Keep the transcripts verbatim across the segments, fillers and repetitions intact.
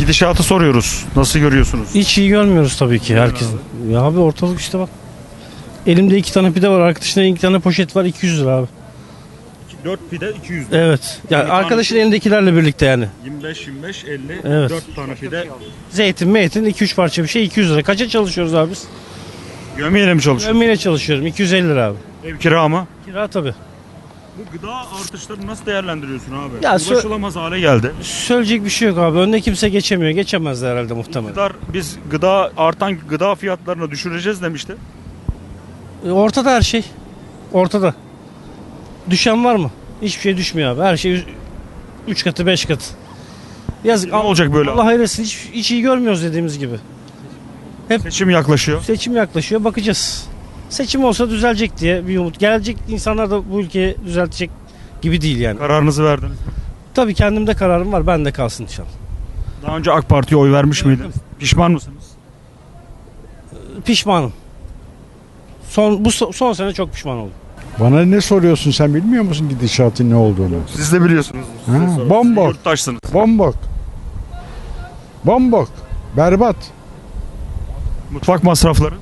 Gidişatı soruyoruz. Nasıl görüyorsunuz? Hiç iyi görmüyoruz tabii ki herkesin. Ya abi ortalık işte bak. Elimde iki tane pide var. Arkadaşında iki tane poşet var. iki yüz lira abi. dört pide iki yüz lira. Evet. Yani Bir arkadaşın tanesi- elindekilerle birlikte yani. yirmi beş yirmi beş elli Evet. dört tane pide. Zeytin, meytin iki üç parça bir şey iki yüz lira. Kaça çalışıyoruz abi biz? Gömeyle mi çalışıyor? Ben yine çalışıyorum. iki yüz elli lira abi. Ev kira mı? Kira tabii. Bu gıda artışlarını nasıl değerlendiriyorsun abi? Ya sö- Ulaşılamaz hale geldi. Söyleyecek bir şey yok abi. Önde kimse geçemiyor. Geçemez de herhalde muhtemelen. İktidar biz gıda artan gıda fiyatlarını düşüreceğiz demişti. E, Ortada her şey. Ortada. Düşen var mı? Hiçbir şey düşmüyor abi. Her şey üç katı beş katı. Yazık. Ne olacak böyle? Allah hayretsin. Hiç, hiç iyi görmüyoruz dediğimiz gibi. Seçim yaklaşıyor. Seçim yaklaşıyor. Bakacağız. Seçim olsa düzelecek diye bir umut. Gelecek insanlar da bu ülkeyi düzeltecek gibi değil yani. Kararınızı verdiniz mi? Tabii kendimde kararım var. Ben de kalsın inşallah. Daha önce AK Parti'ye oy vermiş miydiniz? Pişman mısınız? Pişmanım. Son bu so- son sene çok pişman oldum. Bana ne soruyorsun, sen bilmiyor musun gidişatın ne olduğunu? Siz de biliyorsunuz. Size Ha, sorun. bomba. Siz yurttaşsınız. Bombok. Bombok. Berbat. Mutfak masrafları.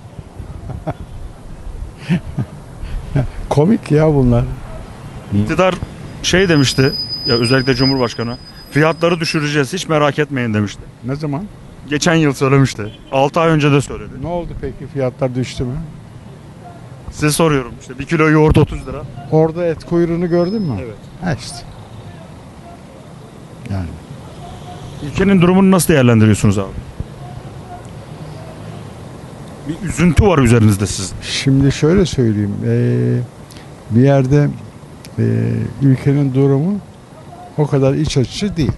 Komik ya bunlar. İktidar şey demişti. Ya özellikle Cumhurbaşkanı. Fiyatları düşüreceğiz hiç merak etmeyin demişti. Ne zaman? Geçen yıl söylemişti. altı ay önce de söyledi. Ne oldu peki, fiyatlar düştü mü? Size soruyorum işte bir kilo yoğurt otuz lira. Orada et kuyruğunu gördün mü? Evet. Ha işte. Yani Ülkenin durumunu nasıl değerlendiriyorsunuz abi? Bir üzüntü var üzerinizde sizin. şimdi şöyle söyleyeyim. Ee, bir yerde ee, ülkenin durumu o kadar iç açıcı değil.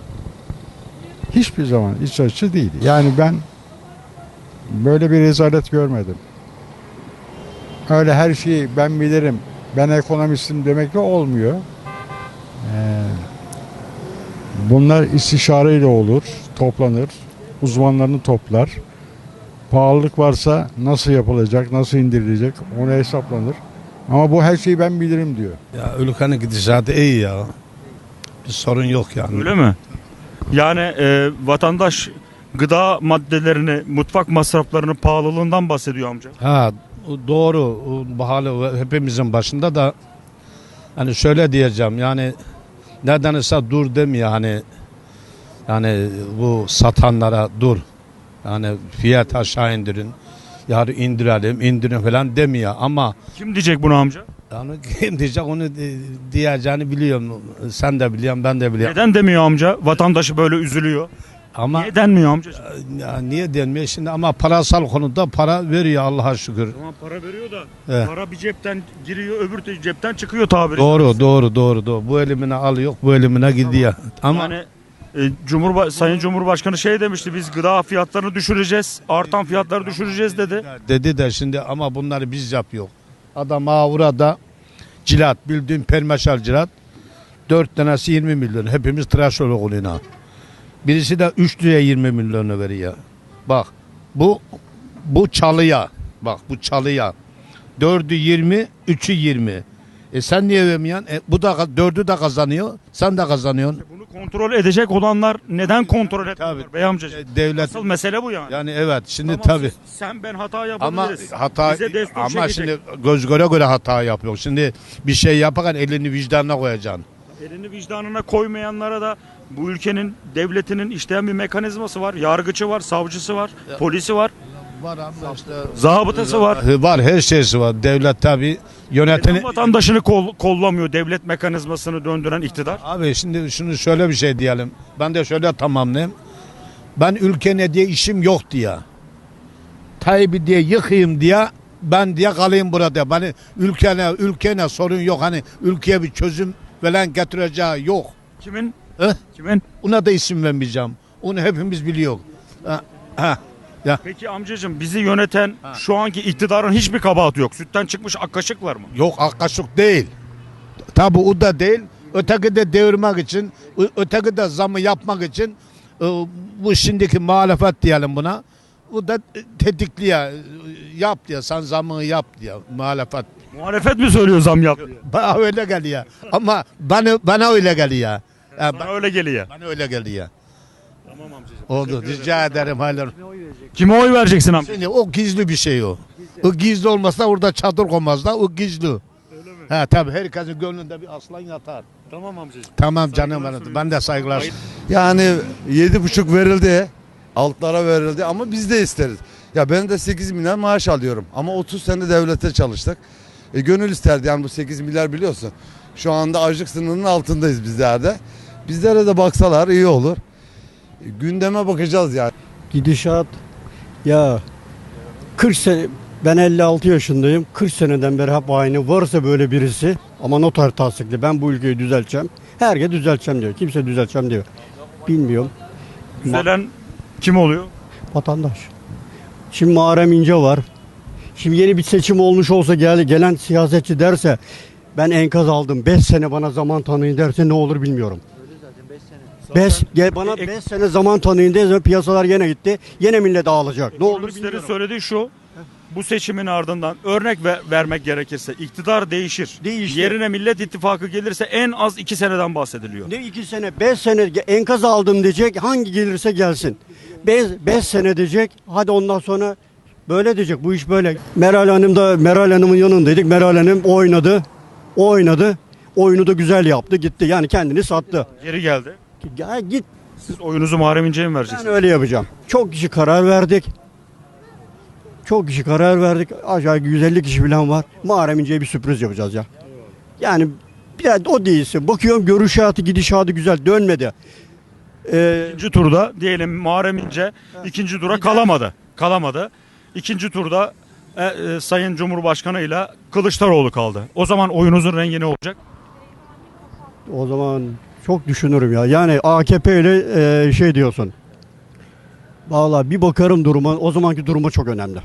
Hiçbir zaman iç açıcı değil. Yani ben böyle bir rezalet görmedim. Öyle her şeyi ben bilirim, ben ekonomistim demekle olmuyor. Ee, bunlar istişareyle olur, toplanır, uzmanlarını toplar. Pahalılık varsa nasıl yapılacak, nasıl indirilecek onu hesaplanır. Ama bu her şeyi ben bilirim diyor. Ya ülkenin gidişatı iyi ya. Bir sorun yok yani. Öyle mi? Yani e, vatandaş gıda maddelerini, mutfak masraflarının pahalılığından bahsediyor amca. Ha doğru. O Pahalı hepimizin başında da hani şöyle diyeceğim yani nedense dur demiyor hani yani bu satanlara dur. Yani fiyat aşağı indirin. Yarı indirelim, indirin falan demiyor ama Kim diyecek bunu amca? yani kim diyecek onu di- diyeceğini biliyorum. Sen de biliyorsun, ben de biliyorum. Neden demiyor amca? Vatandaşı böyle üzülüyor. Ama Niye denmiyor amca? ya niye denmiyor şimdi ama parasal konuda para veriyor Allah'a şükür. Tamam para veriyor da Evet. para bir cepten giriyor öbür cepten çıkıyor tabiri. Doğru doğru doğru doğru. Bu elimine alıyor, bu elimine gidiyor. Ama Yani e, Cumhurba Sayın Cumhurbaşkanı şey demişti biz gıda fiyatlarını düşüreceğiz. Artan fiyatları düşüreceğiz dedi. dedi de şimdi ama bunları biz yapıyor. Adam burada cilat bildiğin permeşal cilat. Dört tanesi yirmi milyon. Hepimiz tıraş oluyor. Birisi de üç liraya yirmi milyonu veriyor. Bak bu bu çalıya. Bak bu çalıya. Dördü yirmi, üçü yirmi. E sen niye vermiyorsun? E, bu da dördü de kazanıyor. Sen de kazanıyorsun. Bunu kontrol edecek olanlar neden kontrol etmiyorlar Tabii. bey amcacığım? E, devlet Asıl mesele bu yani. yani evet şimdi Tamam, tabii. siz- Sen ben hata Ama yapabiliriz. hata Bize destur ama çekecek. şimdi göz göre göre hata yapıyor. Şimdi bir şey yaparken elini vicdanına koyacaksın. Elini vicdanına koymayanlara da bu ülkenin devletinin işleyen bir mekanizması var. Yargıcı var, savcısı var, polisi var, Var ama işte zabıtası var. var her şeysi var. Devlet tabii yöneteni. Neden vatandaşını kol- kollamıyor devlet mekanizmasını döndüren iktidar? Abi şimdi şunu şöyle bir şey diyelim. Ben de şöyle tamamlayayım. Ben ülkene diye işim yok diye. Tayyip'i diye yıkayım diye ben diye kalayım burada. Beni ülkene ülkene sorun yok. Hani ülkeye bir çözüm falan getireceği yok. Kimin? Hı? Kimin? Ona da isim vermeyeceğim. Onu hepimiz biliyor. Ha, ha. Ya Peki amcacığım bizi yöneten şu anki iktidarın hiçbir kabahati yok. Sütten çıkmış ak kaşıklar mı? yok akkaşık değil. Tabi o da değil. Öteki de devirmek için, ö- öteki de zamı yapmak için e, bu şimdiki muhalefet diyelim buna. Bu da e, tetikliyor. e, Yap diye, sen zamını yap diye muhalefet. Muhalefet mi söylüyor zam yap diye? Bana öyle geliyor. Ama bana, bana öyle geliyor. Yani Sana öyle geliyor. bana öyle geliyor. Tamam amcacığım. Oldu. Rica ederim. Hayırlı. Kime oy vereceksin amca? Şimdi o gizli bir şey o. O gizli olmasa orada çadır koymazlar. O gizli. Öyle mi? Ha tabii herkesin gönlünde bir aslan yatar. Tamam amcacığım. Tamam canım Saygılar benim. sunuyorum. Ben de saygılar. Yani yedi buçuk verildi. Altlara verildi ama biz de isteriz. Ya ben de sekiz milyar maaş alıyorum ama otuz sene devlete çalıştık. E, gönül isterdi yani bu sekiz milyar biliyorsun. Şu anda açlık sınırının altındayız bizlerde. Bizlere de baksalar iyi olur. E, gündeme bakacağız yani. Gidişat ya kırk sene, ben elli altı yaşındayım. kırk seneden beri hep aynı. Varsa böyle birisi ama noter tasdikli ben bu ülkeyi düzelteceğim. Herkes düzelteceğim diyor. Kimse düzelteceğim diyor. Bilmiyorum. Düzelen kim oluyor? Vatandaş. Şimdi Muharrem İnce var. Şimdi yeni bir seçim olmuş olsa gel, gelen siyasetçi derse ben enkaz aldım. beş sene bana zaman tanıyın derse ne olur bilmiyorum. beş gel bana E- beş sene zaman tanıyın derse piyasalar yine gitti. Yine millet ağlayacak. Ne olur Ekonomistlerin bilmiyorum. söylediği şu. Bu seçimin ardından örnek ver- vermek gerekirse iktidar değişir. Değişti. Yerine Millet İttifakı gelirse en az iki seneden bahsediliyor. Ne iki sene, beş sene enkaz aldım diyecek. Hangi gelirse gelsin. Beş, beş sene diyecek. Hadi ondan sonra böyle diyecek. Bu iş böyle. Meral Hanım da Meral Hanım'ın yanındaydık. Meral Hanım oynadı. O oynadı. Oyunu da güzel yaptı. Gitti. Yani kendini sattı. Geri geldi. Ya git. Siz oyunuzu Muharrem İnce'ye mi Ben vereceksiniz? öyle yapacağım. Çok kişi karar verdik. Çok kişi karar verdik. Aşağı yüz elli kişi falan var. Muharrem İnce'ye bir sürpriz yapacağız ya. Yani biraz o değilsin. Bakıyorum görüşatı gidişatı güzel dönmedi. Ee, İkinci turda diyelim Muharrem İnce ikinci tura kalamadı. Kalamadı. İkinci turda e, e, Sayın Cumhurbaşkanı ile Kılıçdaroğlu kaldı. O zaman oyunuzun rengi ne olacak? O zaman çok düşünürüm ya. Yani A K P ile e, şey diyorsun. Vallahi bir bakarım duruma. O zamanki duruma çok önemli.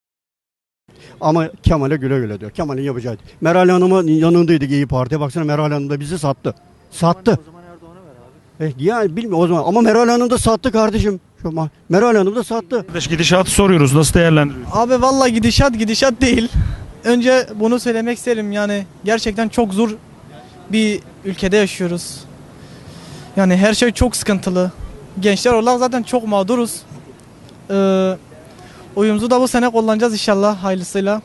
Ama Kemal'e güle güle diyor. Kemal'in yapacağı. Meral Hanım'ın yanındaydık İyi Parti'ye. Baksana Meral Hanım da bizi sattı. Sattı. O zaman Erdoğan'a ver abi. E, ya bilmiyorum o zaman. Ama Meral Hanım da sattı kardeşim. Şu ma- Meral Hanım da sattı. Kardeş gidişatı soruyoruz. Nasıl değerlendiriyorsunuz? Abi vallahi gidişat gidişat değil. Önce bunu söylemek isterim yani gerçekten çok zor bir ülkede yaşıyoruz. Yani her şey çok sıkıntılı. Gençler olarak zaten çok mağduruz. Ee, oyumuzu da bu sene kullanacağız inşallah hayırlısıyla.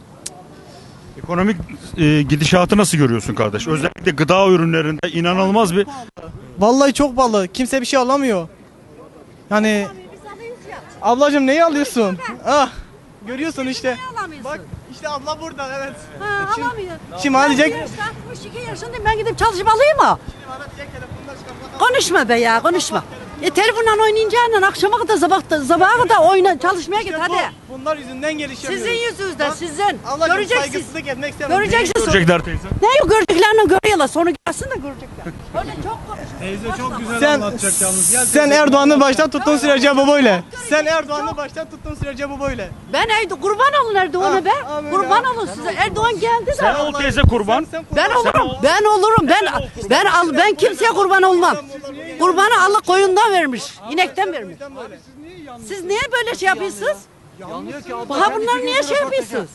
Ekonomik e, gidişatı nasıl görüyorsun kardeş? Özellikle gıda ürünlerinde inanılmaz bir Vallahi çok pahalı. Kimse bir şey alamıyor. Yani ablacığım neyi alıyorsun? Ah, görüyorsun işte. Bak işte abla burada evet. Ha, Şimdi- alamıyor. Şimdi hadi Ben Jack- altmış iki yaşındayım, ben gidip çalışıp alayım mı? Konuşma be ya, konuşma. E telefonla oynayacağına akşama kadar sabah sabaha kadar oyna çalışmaya git İşte hadi. bu, bunlar yüzünden gelişemiyoruz. Sizin yüzünüzden, Bak, sizin. Ablacığım Göreceksiniz. saygısızlık etmek istemiyorum. Göreceksiniz. görecekler teyze. Ne yok göreceklerini görüyorlar, sonra gelsin de görecekler. Öyle çok konuşuyor. Sen, sen Erdoğan'ı baştan tuttuğun sürece bu böyle. Sen Erdoğan'ı baştan tuttuğun sürece bu böyle. Ben evde kurban olun Erdoğan'a be. Ah, amin Kurban ya. olun size. Erdoğan geldi de. Sen ol teyze kurban. Sen, sen Ben kurban- olurum. Ben olurum. Ben ben al ben kimseye kurban olmam. Kurbanı Allah koyundan vermiş. inekten vermiş. Siz niye böyle şey yapıyorsunuz? Ha bunlar niye şey yapıyorsunuz?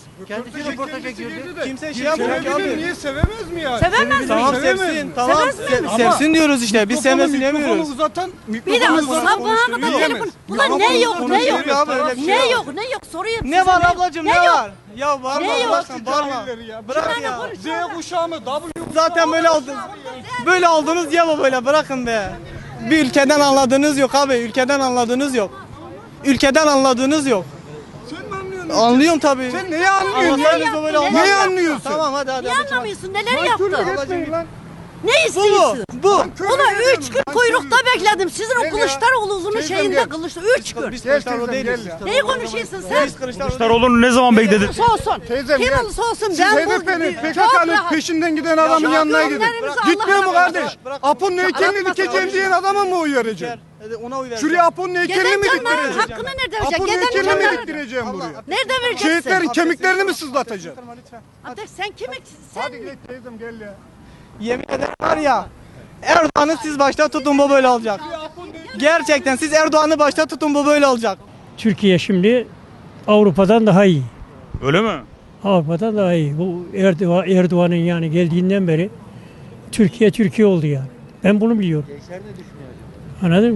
Kimse şey yapmıyor ki abi. Niye sevemez mi ya? Sevemez Tamam miyim? sevsin. Tamam. Sevmez mi? Se- sevsin diyoruz işte. Biz sevmesin demiyoruz. uzatan Bir de sabaha kadar telefon. Ulan ne yok ne yok. Konuşuyor abi, öyle bir şey Ne yok. yok ne yok soruyorum size. Ne var ablacığım ne yok? var? Ya var mı Ne yok? bırakın bağırma. Bırak ya. Z kuşağı mı? W Zaten böyle oldunuz. Böyle oldunuz ya bu böyle bırakın be. Bir ülkeden anladığınız yok abi. Ülkeden anladığınız yok. Ülkeden anladığınız yok. Sen mi anlıyorsun? Anlıyorum tabii. Sen neyi anlıyorsun? Anlasanız da böyle Neyi olmaz. Neyi anlıyorsun? Tamam hadi hadi. Niye hadi. anlamıyorsun? Neler yaptı? Etmeyin lan. Ne Bu istiyorsun? mu? Bu. Ulan üç gün kuyrukta bekledim. Sizin o Gel ya. Kılıçdaroğlu'nun Teyzem şeyinde gel. Kılıçdaroğlu. Üç gün. Biz Gel Kılıçdaroğlu teyzem, değiliz. gel ya. Neyi konuşuyorsun sen? Biz Kılıçdaroğlu Kılıçdaroğlu'nu ne zaman bekledin? Kim olursa olsun. Teyzem Kim gel. olursa olsun. Siz Ben H D P'nin bu P K çok K'nın rahat. peşinden giden adamın Ya, yanına gidin. gönderimizi Gitmiyor mu Allah'a kardeş? bırak. Apo'nun heykelini Anlatma dikeceğim sana. diyen adama mı oy vereceksin? Hadi ona uy ver. Şuraya Apo'nun heykelini mi Geden canların diktireceksin? hakkını nerede vereceksin? Apo'nun Geden heykelini mi canların. diktireceğim buraya? Nerede vereceksin? Şehitlerin kemiklerini mi sızlatacaksın? Ateş sen kimi sen Hadi git teyzem gel ya. Yemin ederim var ya. Erdoğan'ı siz başta tutun bu böyle olacak. Gerçekten siz Erdoğan'ı başta tutun bu böyle olacak. Türkiye şimdi Avrupa'dan daha iyi. Öyle mi? Avrupa'dan daha iyi. Bu Erdoğan, Erdoğan'ın yani geldiğinden beri Türkiye Türkiye oldu yani. Ben bunu biliyorum. Anladın mı?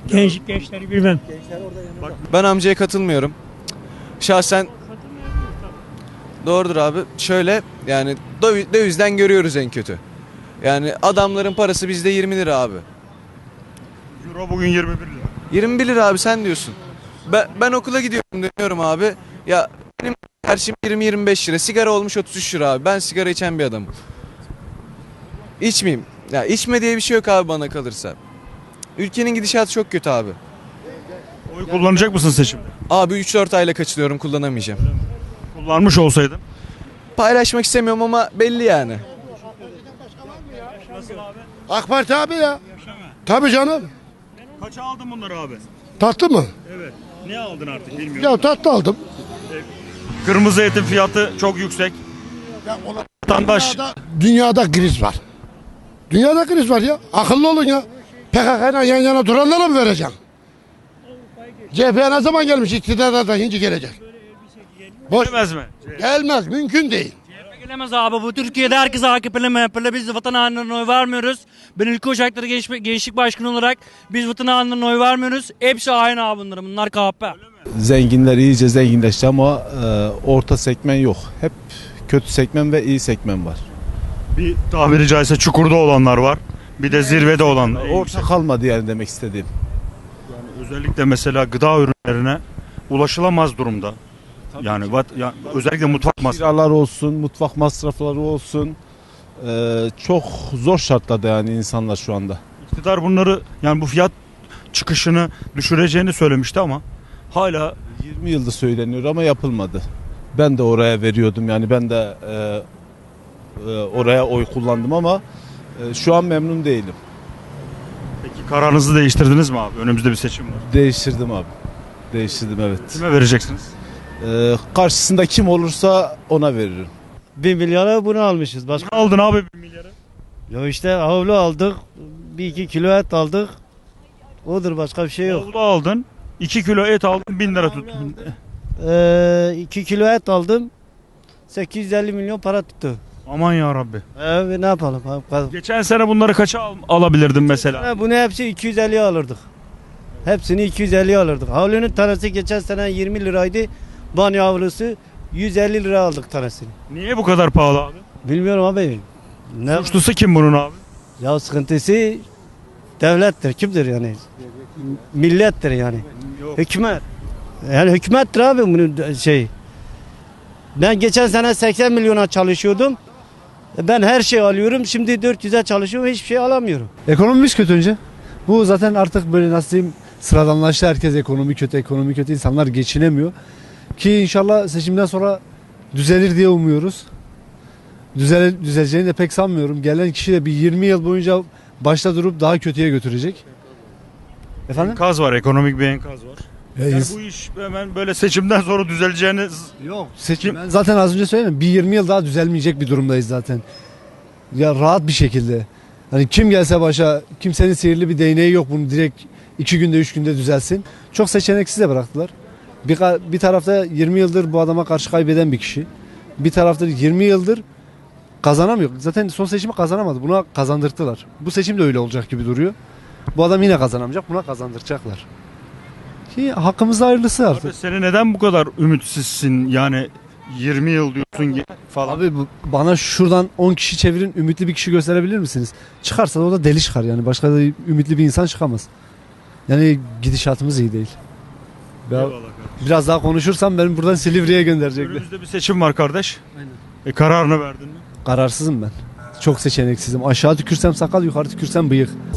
Genç, gençleri bilmem. Ben amcaya katılmıyorum. Şahsen doğrudur abi. Şöyle yani döv- dövizden görüyoruz en kötü. Yani adamların parası bizde yirmi lira abi. Euro bugün yirmi bir lira. yirmi bir lira abi sen diyorsun. Ben, ben okula gidiyorum dönüyorum abi. Ya benim her şeyim yirmi yirmi beş lira. Sigara olmuş otuz üç lira abi. Ben sigara içen bir adamım. İçmeyeyim. Ya içme diye bir şey yok abi bana kalırsa. Ülkenin gidişatı çok kötü abi. Oy kullanacak mısın seçimde? Abi üç dört ayla kaçılıyorum kullanamayacağım. Kullanmış olsaydın. Paylaşmak istemiyorum ama belli yani. AK Parti abi ya. Tabii canım. Kaça aldın bunları abi? Tatlı mı? Evet. Ne aldın artık bilmiyorum. Ya tatlı aldım. Kırmızı etin fiyatı çok yüksek. Vatandaş Dünyada, dünyada kriz var. Dünyada kriz var ya. Akıllı olun ya. P K K'yla yan yana duranlara mı vereceksin? C H P ne zaman gelmiş? İktidara da şimdi gelecek. Boş. demez mi? Gelmez. Mümkün değil. Gelemez abi. Bu Türkiye'de herkes A K P'li M H P'li. Biz vatan hainlerine oy vermiyoruz. Ben Ülke Ocakları Genç, Gençlik Başkanı olarak biz vatan hainlerine oy vermiyoruz. Hepsi hain abi bunlar. Bunlar K H P. Zenginler iyice zenginleşti ama e, orta segmen yok. Hep kötü segmen ve iyi segmen var. Bir tabiri caizse çukurda olanlar var. Bir de zirvede olanlar. Orta kalmadı yani demek istediğim. Özellikle mesela gıda ürünlerine ulaşılamaz durumda. Yani, vat- ya, özellikle mutfak masrafı. Kiralar olsun, mutfak masrafları olsun. e, çok zor şartlarda yani insanlar şu anda. İktidar bunları yani bu fiyat çıkışını düşüreceğini söylemişti ama hala yirmi yıldır söyleniyor ama yapılmadı. Ben de oraya veriyordum yani ben de e, e, oraya oy kullandım ama e, şu an memnun değilim. peki kararınızı değiştirdiniz mi abi? Önümüzde bir seçim var. Değiştirdim abi. Değiştirdim evet. Kime vereceksiniz? E, karşısında kim olursa ona veririm. Bir milyara bunu almışız. Başka Ne aldın abi bir milyarı? ya işte havlu aldık. Bir iki kilo et aldık. Odur başka bir şey yok. Avlu aldın. iki kilo et aldın bin lira tuttun. Ee, iki kilo et aldım. sekiz yüz elli milyon para tuttu. Aman ya Rabbi. Ee, ne yapalım? Geçen sene bunları kaça al- alabilirdin mesela? Ha, bunu hepsi iki yüz elliye alırdık. Hepsini iki yüz elliye alırdık. Havlunun tanesi geçen sene yirmi liraydı. Banyo havlusu yüz elli lira aldık tanesini. Niye bu kadar pahalı abi? Bilmiyorum abi. Ne? Suçlusu kim bunun abi? Ya sıkıntısı devlettir. Kimdir yani? Millettir yani. Hükümet. Yani hükümettir abi bunun şey. Ben geçen sene seksen milyona çalışıyordum. Ben her şey alıyorum. Şimdi dört yüze çalışıyorum. Hiçbir şey alamıyorum. Ekonomimiz kötü önce. Bu zaten artık böyle nasıl diyeyim sıradanlaştı. Herkes ekonomi kötü, ekonomi kötü. İnsanlar geçinemiyor. Ki inşallah seçimden sonra düzelir diye umuyoruz. Düzel, düzeleceğini de pek sanmıyorum. Gelen kişi de bir yirmi yıl boyunca başta durup daha kötüye götürecek. Efendim? Enkaz var, ekonomik bir enkaz var. Ya Yani ins- bu iş hemen böyle seçimden sonra düzeleceğini Yok seçim. Ben zaten az önce söyledim. Bir yirmi yıl daha düzelmeyecek bir durumdayız zaten. Ya rahat bir şekilde. Hani kim gelse başa kimsenin sihirli bir değneği yok bunu direkt iki günde üç günde düzelsin. Çok seçeneksiz de bıraktılar. Bir, ka- bir tarafta yirmi yıldır bu adama karşı kaybeden bir kişi. Bir tarafta yirmi yıldır kazanamıyor. Zaten son seçimi kazanamadı. Buna kazandırttılar. Bu seçim de öyle olacak gibi duruyor. Bu adam yine kazanamayacak. Buna kazandıracaklar. Ki hakkımızda hayırlısı artık. Abi seni neden bu kadar ümitsizsin yani yirmi yıl diyorsun ki falan. Abi bu- bana şuradan on kişi çevirin ümitli bir kişi gösterebilir misiniz? Çıkarsa da o da deli çıkar yani. Başka da ümitli bir insan çıkamaz. Yani gidişatımız iyi değil. Ya, Eyvallah kardeşim. biraz daha konuşursam beni buradan Silivri'ye gönderecekler. Önümüzde bir seçim var kardeş. E kararını verdin mi? Kararsızım ben. Çok seçeneksizim. Aşağı tükürsem sakal, yukarı tükürsem bıyık.